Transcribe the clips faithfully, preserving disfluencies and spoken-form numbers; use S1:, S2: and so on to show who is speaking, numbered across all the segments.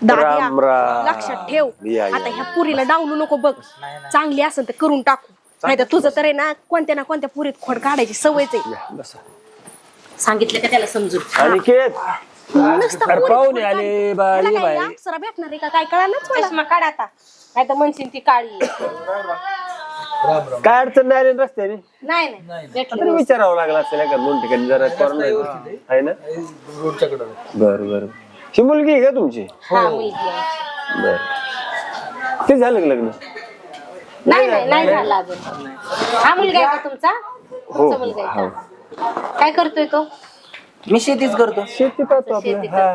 S1: दाद्या लक्षात ठेव, आता ह्या पुरीला डावलू नको बघ, चांगली असेल तर करून टाकू, नाही तर तुझं तर आहे ना कोणत्या ना कोणत्या पुरीत खोड काढायची सवयच आहे. सांगितलं का त्याला समजून?
S2: पाहुणे आले बाई बाई
S1: अप्सरा भेटणार आहे का काय कळालंच मला. काढ आता, नाही तर म्हणशील ती काळी
S2: काय अडचण नाही आली रस्त्याने?
S1: नाही नाही भेटलं.
S2: विचारावं लागलं असेल का दोन ठिकाणी जरा आहे ना रोडच्या कडे. बरं बरं, ही मुलगी आहे का तुमची?
S1: हा मुलगी आहे.
S2: बर, ते झालं का लग्न?
S1: नाही नाही नाही झालं अजून. हा मुलगा आहे का तुमचा? तुमचा मुलगा आहे का? काय करतोय तो?
S3: मी शेतीच करतो.
S2: शेती पाहतो आपलं. हा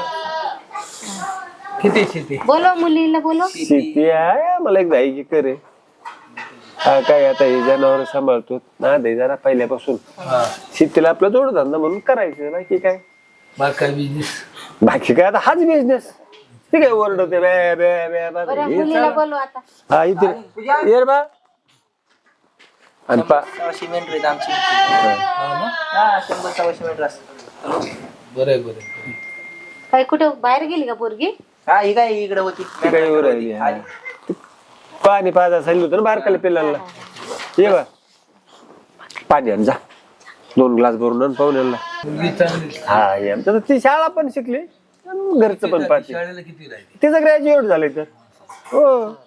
S3: किती शेती?
S1: बोलो मुलीला बोलो.
S2: शेती आहे मला एक दाई करे. हा काय आता हे जनावर सांभाळतो ना दे जरा पहिल्यापासून. शेतीला आपला जोडधंदा म्हणून करायचं, बाकी काय
S3: बाकी बिझनेस,
S2: बाकी काय आता हाच बिझनेस. ठीक आहे, ओरडते बे बे बे बे.
S1: बरं मुलीला बोलो आता.
S2: हा इथे ये रे बा. आणि पा
S3: सव्वाशे मेंढर आहेत आमची. हा शंभर सव्वाशे मेंढर असतात. बरं बरं.
S1: काय कुठे बाहेर गेली का पोरगी?
S3: हा ही काय इकडे होती.
S2: ती काय वर राहिली. हा. पाणी पाजा सांगितलं होतं ना बारकाला पिल्लाला. ये बा पाणी आण जा, दोन ग्लास भरून आण पाहुण्याला. हा ये आमचं तर ती शाळा पण शिकली, घरचं पण पाहते.
S3: शाळेला किती राहिली?
S2: तिचं ग्रॅज्युएट झालंय तर. हो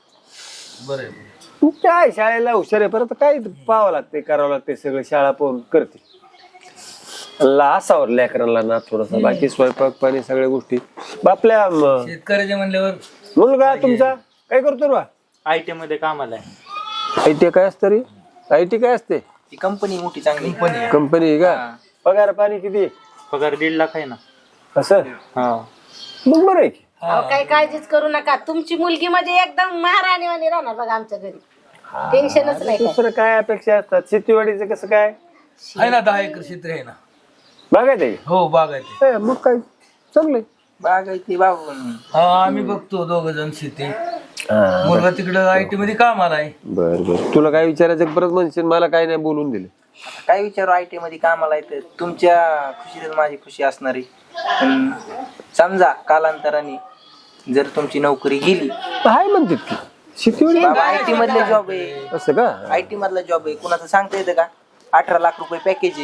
S3: बरं.
S2: काय शाळेला हुशार आहे, परत काय पाहावं लागते करावं लागते सगळं. शाळा पाहून करते. असावर लेकरांना ना थोडस, बाकी स्वयंपाक पाणी सगळ्या गोष्टी आपल्या.
S3: शेतकऱ्याच्या म्हणल्यावर
S2: मुलगा तुमचा काय करतो बा?
S3: आय टी मध्ये कामाला आहे.
S2: आय टी काय असतं रे? आय टी काय असते?
S3: ती कंपनी मोठी चांगली कंपनी.
S2: कंपनी आहे का? पगार पाणी किती?
S3: पगार दीड लाख आहे ना.
S2: असं मग बरं आहे की.
S1: काही काळजीच करू नका, तुमची मुलगी म्हणजे एकदम महाराणीवाणी राहणार बघा आमच्या घरी. टेन्शनच नाही.
S2: दुसरं काय अपेक्षा असतात? शेतीवाडीचं कसं काय
S3: आहे ना? दहा एकर क्षेत्र आहे ना.
S2: बागायत आहे?
S3: हो बागायत आहे.
S2: मग काय चांगलंय.
S3: बागायती बाबू. हा आम्ही बघतो दोघ जण शेती. मुलगा तिकडं आय टी मध्ये कामाला आहे.
S2: बर बर, तुला काय विचारायचं परत म्हणशील, मला काय नाही बोलून दिलं.
S3: काय विचारू, आय टी मध्ये कामाला आहे. तुमच्या खुशीतच माझी खुशी असणारी. पण समजा कालांतराने जर तुमची नोकरी गेली,
S2: हाय म्हणतात की शेतीवाडी
S3: आय टी मधले जॉब आहे.
S2: असं का?
S3: आय टी मधला जॉब आहे, कुणाचं सांगता येतं का? अठरा लाख रुपये पॅकेज आहे.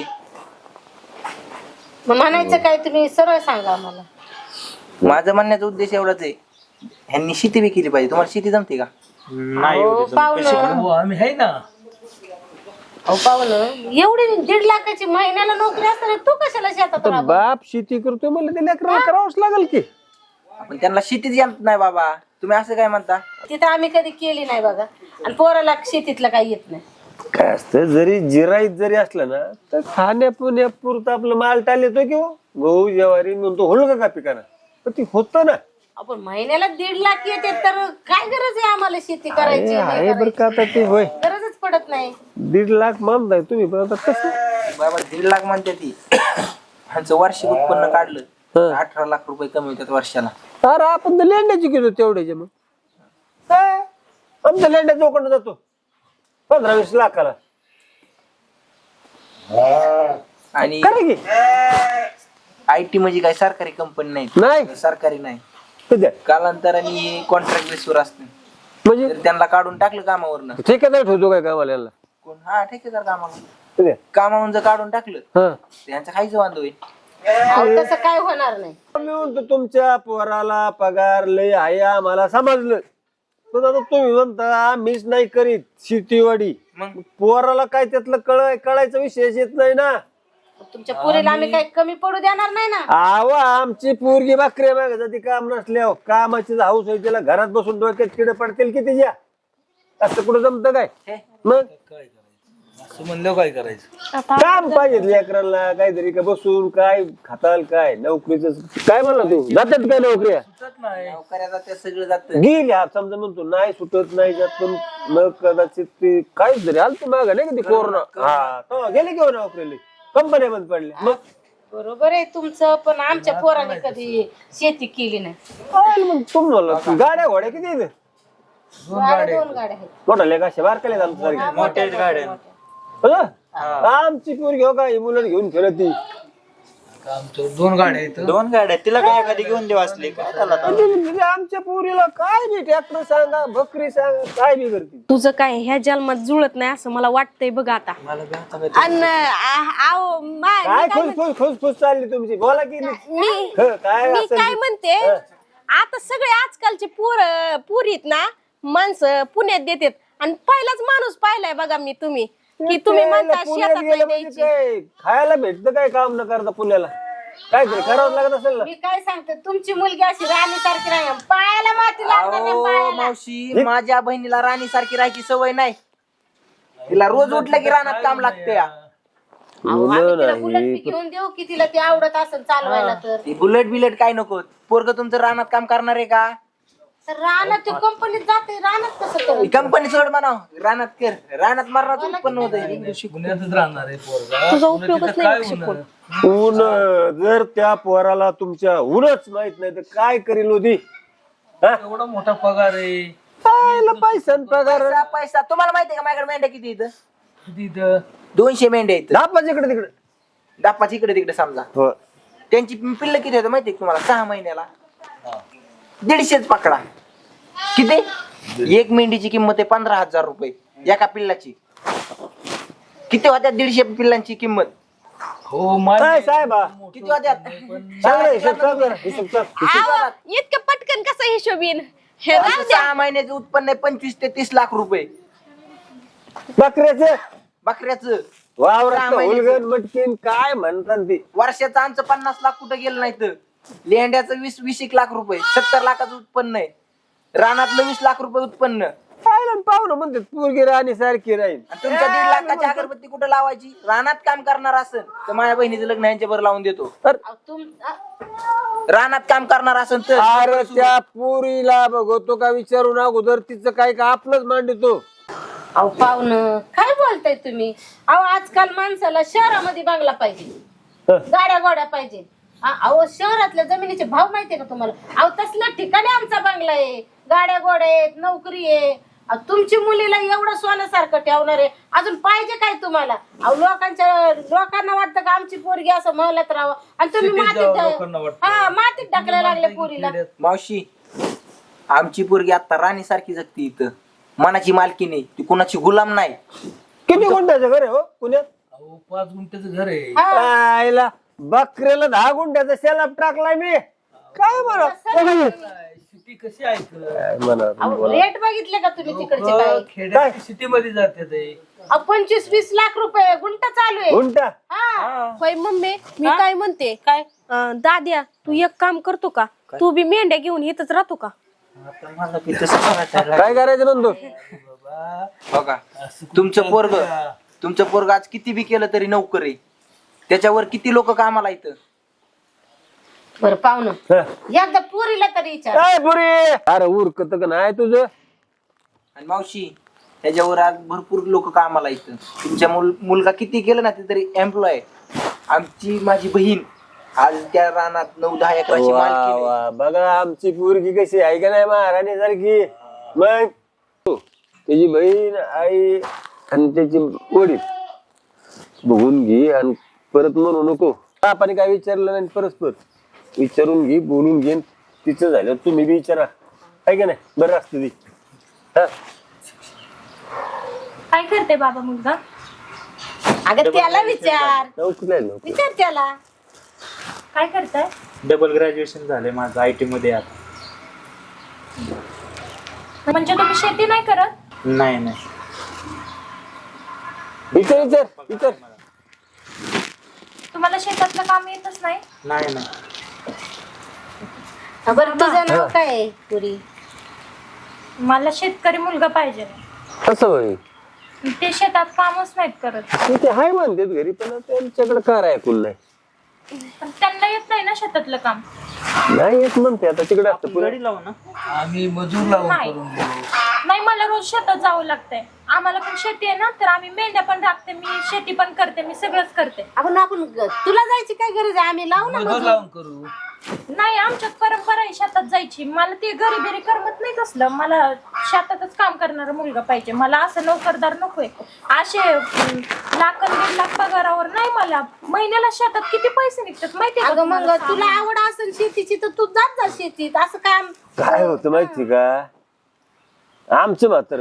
S1: मग म्हणायचं काय तुम्ही सरळ सांगा आम्हाला.
S3: माझं म्हणण्याचा उद्देश एवढाच आहे, ह्यांनी शेती बी केली पाहिजे. तुम्हाला शेती जमते का?
S1: हो पाहुणं,
S3: आम्ही आहे ना.
S1: अहो पाहुणं, एवढी दीड लाखाची महिन्याला नोकरी असताना तू कशाला शेतात
S2: तर
S1: राहतो?
S2: बाप शेती करतोय मला ते लेकराला करावंच लागेल की.
S3: पण त्यांना शेतीच येत नाही बाबा. तुम्ही असं काय म्हणता?
S1: तिथं आम्ही कधी केली नाही बघा, आणि पोराला शेतीतलं काही येत नाही.
S2: काय असतं, जरी जिराईत जरी असलं ना तर खाण्यापिण्यापुरतं आपलं माल टाल येतो किंवा गहू ज्वारी म्हणतो होल का पिकाना, पण ती होतं ना.
S1: आपण महिन्याला दीड लाख येते तर काय गरज आहे आम्हाला शेती करायची?
S2: आहे बरं का आता ते. होय
S1: गरजच पडत नाही.
S2: दीड लाख मानताय तुम्ही, पण आता कसं
S3: बाबा दीड लाख म्हणते ती. ह्यांचं वार्षिक उत्पन्न काढलं तर अठरा लाख रुपये कमी होतात वर्षाला.
S2: अरे आपण तर लेंड्याची घेतो तेवढ्याचे. मग काय आमच्या लेंड्या चौकडनं जातो पंधरा वीस लाखाला.
S3: आणि
S2: खरं की
S3: आय टी म्हणजे काय सरकारी कंपनी नाही.
S2: नाही
S3: सरकारी नाही.
S2: कधी
S3: कालांतराने कॉन्ट्रॅक्ट बेसवर असते.
S2: म्हणजे
S3: जर त्यांना काढून टाकलं कामावरनं,
S2: ठेकेदार ठेवतो काय कामाला याला?
S3: कोण हा ठेकेदार कामाला
S2: कधी?
S3: कामावरून जर काढून टाकलं
S2: हा
S3: त्यांचं खायचं वांद होईल.
S1: अहो, तसं काय होणार नाही.
S2: मी म्हणतो तुमच्या पोराला पगार लय आहे आम्हाला समजलं, पण आता तुम्ही म्हणता मीच नाही करीत शेतीवाडी.
S3: मग
S2: पोराला काय त्यातलं कळ कळायचा विषयच येत नाही ना.
S1: तुमच्या पुरीला आम्ही काही कमी पडू देणार नाही ना.
S2: आव आमची पोरगी बाकरी मागे जाती काम नसल्या कामाची हाऊस आहे, तिला घरात बसून डोक्यात किडे पडतील की तिच्या. असं कुठं जमतं काय? मग
S3: असं म्हणलं काय करायचं?
S2: काम पाहिजे लेकरांना काहीतरी, का बसून काय खाताल काय नोकरीच काय म्हणला तू? जातात काय नोकऱ्या?
S3: नोकऱ्या जात्या, सगळं जात.
S2: गेली हा समजा म्हणतो नाही सुटत नाही जात, पण न कदाचित ते काहीच तरी आलं माग नाही का ते कोरोना. हा तेव्हा गेले घेऊन नोकरीला, कंपन्या बंद पडल्या. मग
S1: बरोबर आहे तुमचं, पण आमच्या पोराने कधी शेती केली नाही.
S2: काय मग तुम्हाला गाड्या घोड्या किती आहेत?
S1: गाड्या दोन गाड्या आहेत.
S2: मोठा लेख अशा बारकाले आमच्या
S3: मोठ्याच गाड्या.
S2: आमची पोरगी हो का मुलं घेऊन फिरत ती
S4: आमचं दोन गाड्या आहेत.
S5: दोन गाड्या तिला काय एखादी घेऊन देऊ असली काय झालं आता?
S2: म्हणजे आमच्या पोरीला काय बी ट्रॅक्टर सांगा बकरी सांगा काय बी करते.
S1: तुझं काय ह्या जन्मात जुळत नाही असं मला वाटतंय बघ आता.
S5: मला बी आता काय-
S1: अन आ- आव, मा- मी
S2: काय
S1: काय
S2: खुस खुस खुस खुस चालली तुमची बोला की नाही.
S1: मी
S2: हं, काय
S1: मी
S2: असेल
S1: काय
S2: ते.
S1: म्हणते आता सगळे आजकालचे पोर पुरीत ना माणसं पुण्यात देतात आणि पहिलाच माणूस पाहिलाय बघा मी तुम्ही की तुम्ही म्हणता
S2: पुण्यात
S1: शेतात
S2: गेलं
S1: नाही
S2: म्हणजे
S1: द्यायची.
S2: काय खायला भेटतं काय काम न करता पुण्याला काय तरी करावं लागत असेल ना.
S6: मी काय सांगते तुमची मुलगी अशी राणी सारखी नाही पायाला माती लागणार नाही,
S3: अहो
S6: पायाला.
S3: मावशी माझ्या बहिणीला राणी सारखी राहायची सवय नाही. तिला रोज उठलं की रानात काम लागते.
S6: अहो, आम्ही तिला बुलेट बी घेऊन देऊ की तिला ते आवडत असेल चालवायला तर
S3: ती बुलेट बिलेट काय नको. पोरग तुमचं रानात काम करणार आहे का?
S6: तर रानात ते कंपनीत जाते रानात कसं करू
S3: कंपनी सोड म्हणाव रानात कर. रानात मारणार उत्पन्न होत
S4: पुण्यातच राहणार आहे पोरगा.
S1: तुझा
S4: पुण्यात
S1: उपयोगच
S4: तिथं
S1: नाही
S4: काय
S1: शिकून.
S4: होणार?
S2: ऊन जर त्या पोराला तुमच्या ऊनच माहित नाही तर काय करील होती.
S4: एवढा मोठा पगार आहे
S2: पैसा पगार
S3: पैसा पैसा तुम्हाला माहितीये का माझ्याकडे मेंढ्या किती इथं?
S4: तिथं.
S3: दोनशे मेंढ्या आहेत.
S2: दापाच इकडे तिकडे
S3: दापाच इकडे तिकडे समजा.
S2: हो.
S3: त्यांची पिल्ल किती होतं माहितीये का तुम्हाला? सहा महिन्याला दीडशेच पकडा. किती? एक मेंढीची किंमत आहे पंधरा हजार रुपये एका पिल्लाची. किती होत्या दीडशे पिल्लांची किंमत?
S4: हो मान्य
S2: काय
S4: आहे.
S2: साहेबा
S3: किती होत्यात?
S2: सांग रे, हिशोब सांग जरा, हिशोब सांग.
S1: आव, इतकं पटकन कसं हिशोबीन हे राहू द्या.
S3: सहा महिन्याचं उत्पन्न आहे पंचवीस ते तीस लाख रुपये
S2: बकऱ्याचं
S3: बकऱ्याचं.
S2: वावरात
S3: सहा महिन्याचं.
S2: हुलगण मटकीन काय म्हणतात ती.
S3: वर्षाचं आमचं पन्नास लाख कुठं गेलं नाही तर लेंड्याचं वीस वीस एक लाख रुपये सत्तर लाखाचं उत्पन्न आहे. रानातलं वीस लाख रुपये उत्पन्न.
S2: पाहिलं पाहुणं म्हणतात पोरगी राणी सारखी राहील.
S3: आणि तुमच्या दीड लाखाची अगरबत्ती कुठं लावायची? रानात काम करणार असेल तर माझ्या बहिणीचं लग्न यांच्या बरं लावून देतो.
S6: अहो, तुम अ-
S3: रानात काम करणार असेल तर
S2: अरे त्या पोरीला बघतो का विचारून अगोदर तिचं काय का आपलंच मांडतो.
S6: अहो पाहुणं काय बोलताय तुम्ही? अहो आजकाल माणसाला शहरामध्ये बांगला पाहिजे, गाड्या गोड्या पाहिजे. अ- अहो शहरातल्या जमिनीचे भाव माहितीये का तुम्हाला? अहो तसल्या ठिकाणी आमचा बांगला आहे, गाड्या गोड्या आहेत, नोकरी आहे. अहो, तुमची मुलीला एवढं सोन्यासारखं ठेवणार आहे, अजून पाहिजे काय तुम्हाला? अहो लोकांच्या लोकांना वाटतं का आमची पोरगी असं महलात राहावं आणि तुम्ही
S4: सिटीत
S6: मातीत
S4: जावं
S6: ढ-
S4: लोकांना वाटतं.
S6: हा मातीत टाकल्या लागल्या पोरीला.
S3: मावशी आमची पोरगी आता राणी सारखी जगती इथं. मनाची मालकी नाही, ती कुणाची गुलाम नाही.
S2: किती गुंठ्याचं घर आहे हो पुण्यात?
S4: अहो पाच गुंठ्याचं घर आहे.
S6: हा.
S2: आईला बकऱ्याला दहा गुंठ्याचा शेलाप टाकलाय मी. काय म्हणा
S4: सिटी कशी आहे
S2: काय म्हणा
S6: अहो रेट बघितले का तुम्ही तिकडचे काय?
S4: खेड्यात सिटी मध्ये जाते ते.
S6: अहो पंचवीस वीस लाख रुपये गुंठा चालू आहे.
S2: गुंठा
S6: हा.
S1: होय मम्मी मी काय म्हणते काय दाद्या तू एक काम करतो का? तू बी मेंढ्या घेऊन इथंच राहतो का?
S5: आता मला बी तसंच वाटायला
S2: काय करायचं नंदू?
S3: हो का? तुमचं पोरग तुमचं पोरग आज किती बी केलं तरी नोकरी. त्याच्यावर किती लोक कामाला इथं.
S6: बरं पाहुणं
S2: हं.
S6: एकदा पुरीला तरी विचार.
S2: काय पुरी अरे उरकत का नाही तुझं?
S3: आणि मावशी त्याच्यावर आज भरपूर लोक कामाला इथं. तुमच्या मुल मुलगा किती केलं ना ते तरी एम्प्लॉय. आमची माझी बहीण आज त्या रानात नऊ दहा एकराची
S2: वा
S3: मालकी आहे.
S2: वा बघा आमची पोरगी कशी आहे का नाही महाराणी सारखी. मग त्याची बहीण आई आणि त्याची वडील बघून घे आणि परत म्हणू नको. आपण काय विचारलं नाही परस्पर विचारून घे बोलून घे. तिचं झालं तुम्ही बी विचारा आहे का नाही. बरं असतं ती. हा
S7: काय करते बाबा मुलगा?
S6: अगं त्याला विचार
S2: नोकरी नाही नोकरी.
S6: विचार त्याला.
S7: काय करताय?
S5: डबल ग्रॅज्युएशन झालंय माझं आय टी मध्ये आता.
S7: म्हणजे तुम्ही शेती नाही करत?
S5: नाही नाही
S2: विचार विचार विचार.
S7: तुम्हाला शेतातलं काम येतच नाही?
S5: नाही नाही
S6: बरं तुझं नाव काय आहे पुरी?
S7: मला शेतकरी मुलगा पाहिजे.
S2: कसं होईल
S7: ते शेतात कामच नाहीत करत.
S2: ते हाय म्हणतात घरी पण त्यांच्याकडे कार ऐकून नाही.
S7: पण त्यांना येत नाही ना शेतातलं काम.
S2: नाही येत म्हणते आता तिकडे असतं पुढे.
S5: गडी लावू ना.
S4: आम्ही मजूर लावून
S7: नाही.
S4: करून देऊ.
S7: नाही मला रोज शेतात जावं लागतंय. आम्हाला पण शेती आहे ना तर आम्ही मेंढ्या पण राखते, मी शेती पण करते, मी सगळंच करते.
S6: आपण आपण तुला जायची काय गरज आहे? आम्ही लावू ना
S4: मजूर
S6: मजूर.
S4: लावून करू.
S7: नाही आमच्यात परंपरा आहे शेतात जायची. मला ते घरी बिरी करमत नाही तसलं. मला शेतातच काम करणारा मुलगा पाहिजे. मला असं नोकरदार नकोय. असे अं, लाख अन दीड लाख पगारावर नाही. मला महिन्याला शेतात किती पैसे निघतात माहितीये का
S6: अगं मग
S7: तुम्हाला?
S6: तुला आवड असेल शेतीची तर तू जात जा शेतीत. असं काम
S2: काय होतं माहिती का, आमचं मात्र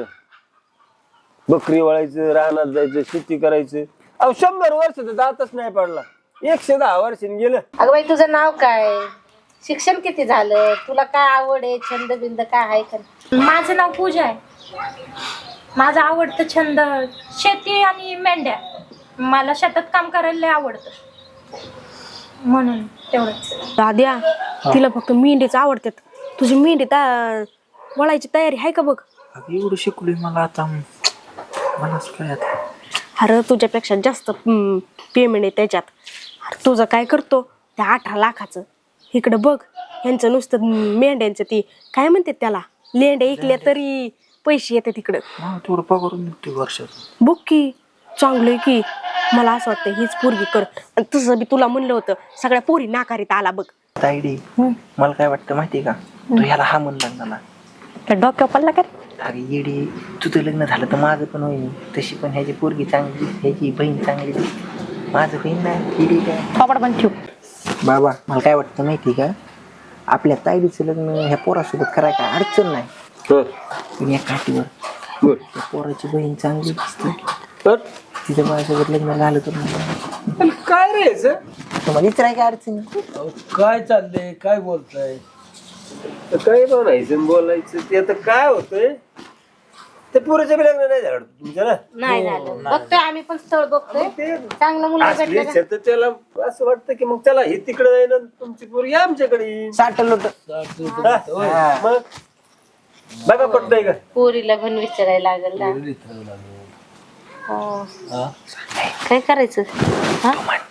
S2: बकरी वळायचं, रानात जायचं, शेती करायचं. अहो शंभर वर्ष तर जातच नाही पडला. एकशे दहा वर्षांनी गेलं.
S6: अगं बाई तुझं नाव काय, शिक्षण किती झालं, तुला काय आवड आहे, छंद बिंद काय आहे का?
S7: माझं नाव पूजा आहे. माझा आवडतं छंद शेती आणि मेंढ्या. मला शेतात काम करायला लय आवडतं म्हणून तेवढंच.
S1: दाद्या तिला फक्त मेंढीच आवडतात. तुझी मेंढी ता- वळायची तयारी आहे का बघ?
S5: अगं एवढं शिकलोय मला आता मला काय आता
S1: अरे तुझ्यापेक्षा जास्त पेमेंट आहे त्याच्यात. अरे तुझं काय करतो त्या अठरा लाखाचं इकडं बघ. ह्यांचं नुसतं मेंढ्यांचं ती काय म्हणतात त्याला, लेंड्या ऐकल्या तरी पैसे येतात तिकडं.
S5: मला थोडं पगारून निघतोय वर्षात.
S1: बघ की चांगलंय की. मला असं वाटतं हीच पोरगी कर. आणि तुझं बी तुला म्हणलं होतं सगळ्या पोरी नाकारीत आला बघ.
S3: तायडी मला काय वाटतं माहितीये का, तू ह्याला हा म्हण लग्नाला.
S1: त्या डोक्यावर पडला का रे?
S3: अरे येडी, तुझं लग्न झालं तर माझं पण होईल. तशी पण ह्याची पोरगी चांगली, ह्याची बहीण चांगली दिसते. माझं बहीण नाही येडी काय.
S1: थोपड पण ठेव.
S3: बाबा मला काय वाटतं माहिती का, आपल्या तायडीचं लग्न ह्या पोरासोबत करायला काय अडचण नाही.
S2: हं.
S3: पण या काठीवर
S2: बर.
S3: त्या पोराची बहीण चांगली दिसते,
S2: तर
S3: तिचं माझ्यासोबत लग्न झालं तर नाही.
S4: पण काय रे याचं?
S3: तुम्हाला विचाराय काय अडचण आहे?
S4: अहो, काय चाललंय, काय बोलताय?
S2: तर काय म्हणायचं आणि बोलायचं ते आता काय होतंय. ते पुरेच्या बी लग्न नाही झालं तुमच्या ना.
S6: नाही झालं. बघतोय आम्ही पण स्थळ बघतोय. चांगलं मुलगा
S2: असली
S6: भेटलं का?
S2: शेत त्याला असं वाटतं की मग त्याला हे तिकडे जाईन आणि तुमची पोरगी आमच्याकडे येईन.
S3: साठ लोट
S4: साठ रुपये होय.
S2: हा, मग बघा पटतंय का.
S6: पोरीला पण विचारायला लागेल ना.
S4: पोरी इथं लागलो.
S6: हो.
S4: हा?
S6: काय करायचं हा?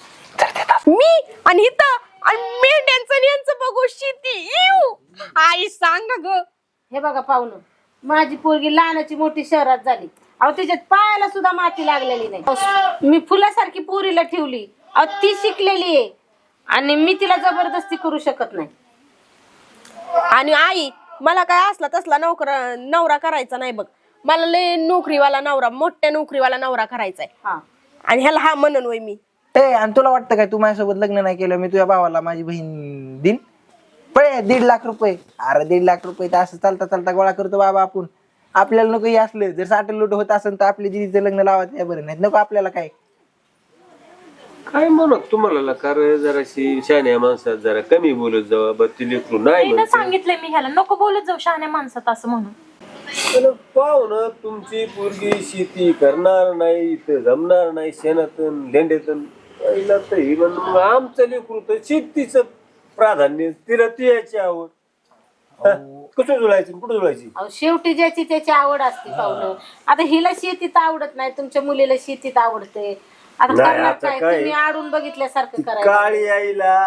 S1: मी आणि इथं आणि मेंढ्यांचं आणि यांचं बघू शेती. इव. आई सांग ग.
S6: हे बघा पाहुणं, माझी पोरगी लहानाची मोठी शहरात झाली. अहो त्याच्यात पायाला सुद्धा माती लागलेली नाही. मी फुलासारखी पोरीला ठेवली. अहो ती शिकलेली आहे आणि मी तिला जबरदस्ती करू शकत नाही.
S1: आणि आई मला काय असला तसला नोकर नवरा करायचा नाही बघ. मला लय नोकरीवाला नवरा, मोठ्या नोकरीवाला नवरा करायचाय.
S6: हा
S1: आणि ह्याला हा म्हणन वय मी.
S3: ए आणि तुला वाटतं काय तू माझ्यासोबत लग्न नाही केलं मी तुझ्या भावाला माझी बहीण दिन पळे दीड लाख रुपये. अरे दीड लाख रुपये तर असं चालता चालता गोळा करतो बाबा आपण. आपल्याला नको हे असलं. जर साठ लूट होत असेल तर आपल्या दिदीचं लग्न लावायचं बरं, नाही नको आपल्याला काय.
S2: काय म्हणत तुम्हाला कार जराशी शहाण्या माणसात जरा कमी बोलत जावा. बत्ती लेकरू नाही
S7: एकदा
S2: म्हणते.
S7: सांगितलंय मी ह्याला नको बोलत जाऊ शहाण्या माणसात असं म्हणून.
S2: पण पाहून तुमची पोरगी शेती करणार नाही, इथं जमणार नाही, शेणातून लेंड्यातून पहिला तर ही म्हणून मग आमचं लेकरू तर शेतीचं प्राधान्य, तिला ती याची आवड. हा, कसं जुळायचं कुठं जुळायची.
S6: अहो शेवटी ज्याची त्याची आवड असते पाहुणं. आता हिला शेतीत आवडत नाही, तुमच्या मुलीला शेतीत आवडते. आता
S2: नाही,
S6: करणार
S2: आता
S6: काय,
S2: काय?
S6: तुम्ही आडून बघितल्यासारखं
S2: ती
S6: करायचं.
S2: काळी आईला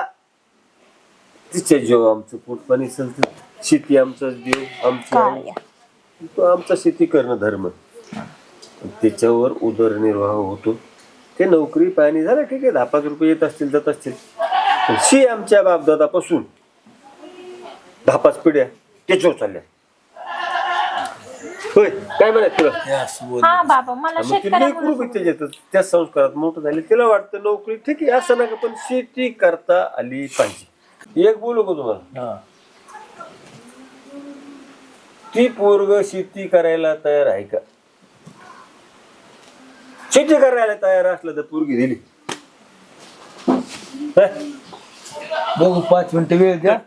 S2: तिच्या जीव आमचं पोट पाणी चालतं. शेती आमचाच देव, आमची आई. तो आमचा शेती करणं धर्म. त्याच्यावर उदरनिर्वाह होतो. ते नोकरी पाणी झालं ठीक आहे, दहा पाच रुपये येत असतील जात असतील. पण शी आमच्या बापदादापासून दहा पाच पिढ्या त्याच्यावर चालल्या. होय काय म्हणत तुला.
S4: हे असं बोल.
S7: हा बाबा मला
S2: मग ती
S7: शेतकऱ्या
S2: लेकरू बी त्याच्यात त्या संस्कारात मोठं झाले. तिला वाटतं नोकरी ठीक आहे असं नका, पण शेती करता आली पाहिजे. एक बोलू का तुम्हाला,
S4: हा.
S2: ती पोरग शेती करायला तयार आहे का. शेती करायला तयार असलं तर पोरगी दिली.
S4: बघू पाच मिनिटं वेळ द्या.